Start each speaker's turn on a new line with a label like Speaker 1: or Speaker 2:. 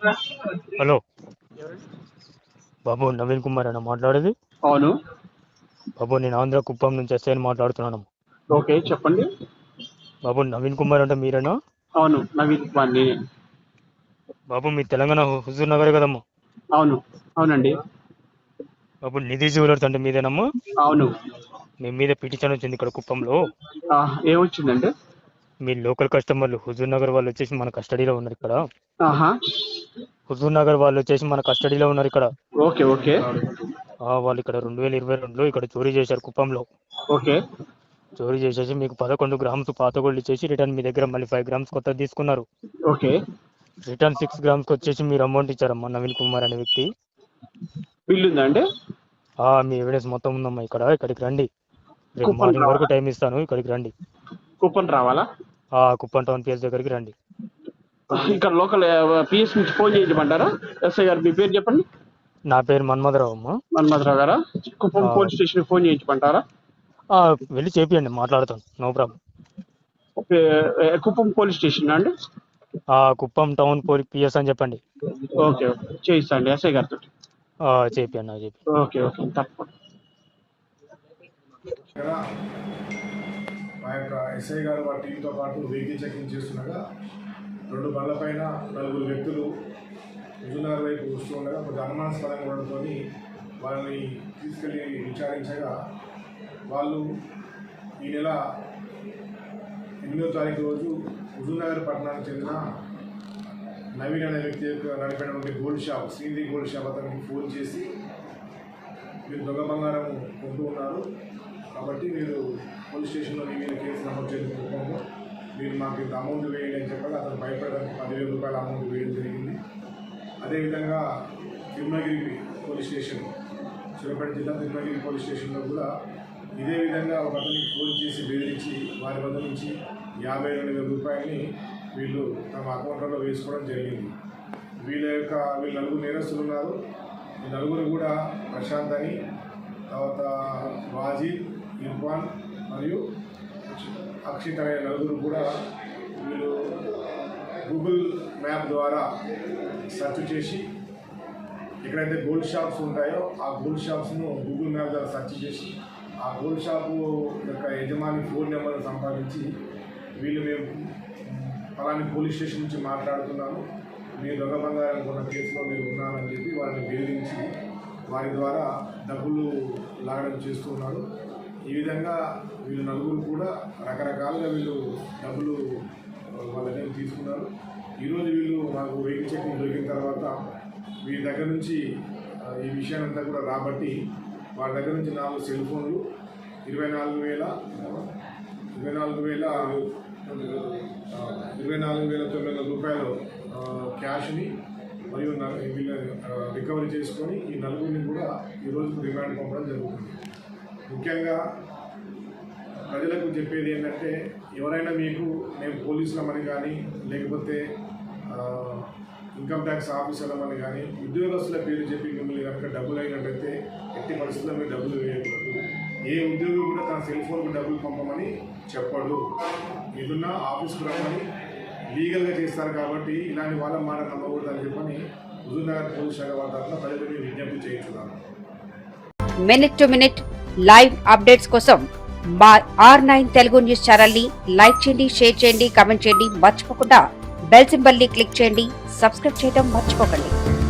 Speaker 1: Hello బాబు, నవీన్ కుమార్ అన్న మాట్లాడేది?
Speaker 2: అవును
Speaker 1: బాబు, నేను ఆంధ్ర కుప్పం నుంచి ఎస్ఐని మాట్లాడుతున్నాను.
Speaker 2: ఓకే చెప్పండి.
Speaker 1: బాబు, నవీన్ కుమార్ అంటే మీరేనా?
Speaker 2: అవును నవీన్ కుమార్ నేనే.
Speaker 1: బాబు, మీ తెలంగాణ హుజూర్ నగర్ కదమ్మా?
Speaker 2: అవును అవునండి.
Speaker 1: బాబు, నిధి జ్యువెలర్స్ అంటే మీదేనమ్మా?
Speaker 2: అవును.
Speaker 1: మీ మీద పిటిషన్ వచ్చింది ఇక్కడ కుప్పంలో.
Speaker 2: ఏమొచ్చిందండి?
Speaker 1: మీ లోకల్ కస్టమర్లు హుజూర్ నగర్ వాళ్ళు వచ్చేసి మన కస్టడీలో ఉన్నారు ఇక్కడ.
Speaker 2: ఆహా
Speaker 1: హుజూర్ నగర్ వాళ్ళు వచ్చేసి మన కస్టడీలో ఉన్నారు ఇక్కడ.
Speaker 2: ఓకే ఓకే
Speaker 1: వాళ్ళు ఇక్కడ 2022లో ఇక్కడ చోరీ చేశారు కుప్పంలో.
Speaker 2: ఓకే
Speaker 1: చోరీ చేసేసి మీకు 11 గ్రామ్స్ పాత గోల్డ్ ఇచ్చేసి రిటర్న్ మీ దగ్గర మళ్ళీ 5 గ్రామ్స్ కొత్తది తీసుకున్నారు.
Speaker 2: ఓకే
Speaker 1: రిటర్న్ 6 గ్రామ్స్ వచ్చేసి మీరు అమౌంట్ ఇచ్చారమ్మా నవీన్ కుమార్ అనే వ్యక్తి.
Speaker 2: బిల్ ఉందా అండి?
Speaker 1: మీ ఎవిడెన్స్ మొత్తం ఉందమ్మా ఇక్కడికి రండి. రేపు
Speaker 2: కుప్పం
Speaker 1: మార్నింగ్ వరకు
Speaker 2: రావాలా?
Speaker 1: టైం ఇస్తాను, ఇక్కడికి రండి.
Speaker 2: కుప్పం రావాలా?
Speaker 1: కుప్పం టౌన్ పిఎస్ దగ్గరికి రండి.
Speaker 2: ఇక్కడ లోకల్ పిఎస్ నుంచి ఫోన్ చేయించమంటారా? ఎస్ఐ గారు మీ పేరు చెప్పండి.
Speaker 1: నా పేరు మన్మధరావు అమ్మా.
Speaker 2: మన్మధరావు గారా? కుప్పం పోలీస్ స్టేషన్ ఫోన్ చేయించమంటారా?
Speaker 1: వెళ్ళి చేపియండి, మాట్లాడతాను, no problem.
Speaker 2: Kuppam police station అండి?
Speaker 1: కుప్పం టౌన్ పిఎస్ అని చెప్పండి.
Speaker 2: ఓకే ఓకే చేయిస్తాండి ఎస్ఐ గారితో.
Speaker 1: చేపియండి.
Speaker 2: ఓకే ఓకే తప్పకుండా.
Speaker 3: మా యొక్క ఎస్ఐ గారు వారి టీంతో పాటు వెహికల్ చెకింగ్ చేస్తుండగా 2 బండ్ల పైన 4 వ్యక్తులు హుజూర్నగర్ వైపు వస్తూ ఉండగా కొంచెం అనుమానాస్పదంగా ఉండడంతో వాళ్ళని తీసుకెళ్ళి విచారించగా వాళ్ళు ఈ నెల 8వ తారీఖు రోజు హుజూర్నగర్ పట్టణానికి చెందిన నవీన్ అనే వ్యక్తి యొక్క నడిపినటువంటి gold shop Srinidhi gold shop అతనికి ఫోన్ చేసి మీరు దొంగ బంగారం కొంటూ ఉన్నారు కాబట్టి మీరు పోలీస్ స్టేషన్లో మీ మీద కేసు నమోదు చేసుకుంటున్నాము, మీరు మాకు ఇంత అమౌంట్ వేయండి అని చెప్పగా అతను భయపడడానికి 10,000 రూపాయల అమౌంట్ వేయడం జరిగింది. అదేవిధంగా తిరుమలగిరి పోలీస్ స్టేషన్, సూర్యాపేట జిల్లా తిరుమలగిరి పోలీస్ స్టేషన్లో కూడా ఇదే విధంగా ఒక అతనికి ఫోన్ చేసి బెదిరించి వారి వద్ద నుంచి 52,000 రూపాయలని వీళ్ళు తమ అకౌంట్లలో వేసుకోవడం జరిగింది. వీళ్ళ 4 నేరస్తులు ఉన్నారు. ఈ 4 కూడా ప్రశాంత్ అని, తర్వాత వాజీద్, ఇర్ఫాన్ మరియు అక్షిత్ అనే 4 కూడా వీళ్ళు గూగుల్ మ్యాప్ ద్వారా సెర్చ్ చేసి ఎక్కడైతే గోల్డ్ షాప్స్ ఉంటాయో ఆ గోల్డ్ షాప్స్ను గూగుల్ మ్యాప్ ద్వారా సెర్చ్ చేసి ఆ గోల్డ్ షాపు యొక్క యజమాని ఫోన్ నెంబర్ను సంపాదించి వీళ్ళు మేము పలాని పోలీస్ స్టేషన్ నుంచి మాట్లాడుతున్నాము, మీరు దొంగ బంగారం కొన్న కేసులో మీరు ఉన్నారని చెప్పి వారిని బెదిరించి వారి ద్వారా డబ్బులు లాగడం చేస్తున్నారు. ఈ విధంగా వీళ్ళు 4 కూడా రకరకాలుగా వీళ్ళు డబ్బులు వాళ్ళ దగ్గర తీసుకున్నారు. ఈరోజు వీళ్ళు మాకు వెహికల్ చెకింగ్ దొరికిన తర్వాత వీరి దగ్గర నుంచి ఈ విషయాన్నంతా కూడా రాబట్టి వారి దగ్గర నుంచి 4 సెల్ ఫోన్లు, 24,900 రూపాయలు క్యాష్ని మరియు వీళ్ళ రికవరీ చేసుకొని ఈ 4 కూడా ఈరోజు రిమాండ్ పంపడం జరుగుతుంది. ముఖ్యంగా ప్రజలకు చెప్పేది ఏంటంటే, ఎవరైనా మీకు మేము పోలీసులమని కానీ లేకపోతే ఇన్కమ్ ట్యాక్స్ ఆఫీసర్లమని కానీ ఉద్యోగస్తుల పేరు చెప్పి మిమ్మల్ని కనుక డబ్బులు అయినట్టయితే ఎట్టి పరిస్థితుల్లో మీరు డబ్బులు వేయకూడదు. ఏ ఉద్యోగి కూడా తన సెల్ ఫోన్కు డబ్బులు పంపమని చెప్పడు. ఏదన్నా ఆఫీస్కు రమ్మని లీగల్గా చేస్తారు కాబట్టి ఇలాంటి వాళ్ళ మాట నమ్మకూడదని చెప్పని హుజూర్నగర్ పోలీస్ శాఖ వారి తరఫున ప్రజలకు విజ్ఞప్తి చేయించున్నాను.
Speaker 4: Minute to minute live updates కోసం మా R9 తెలుగు న్యూస్ ఛానల్ ని లైక్ చేయండి, షేర్ చేయండి, కామెంట్ చేయండి. మర్చిపోకుండా బెల్ సింబల్ ని క్లిక్ చేయండి. సబ్స్క్రైబ్ చేయడం మర్చిపోకండి.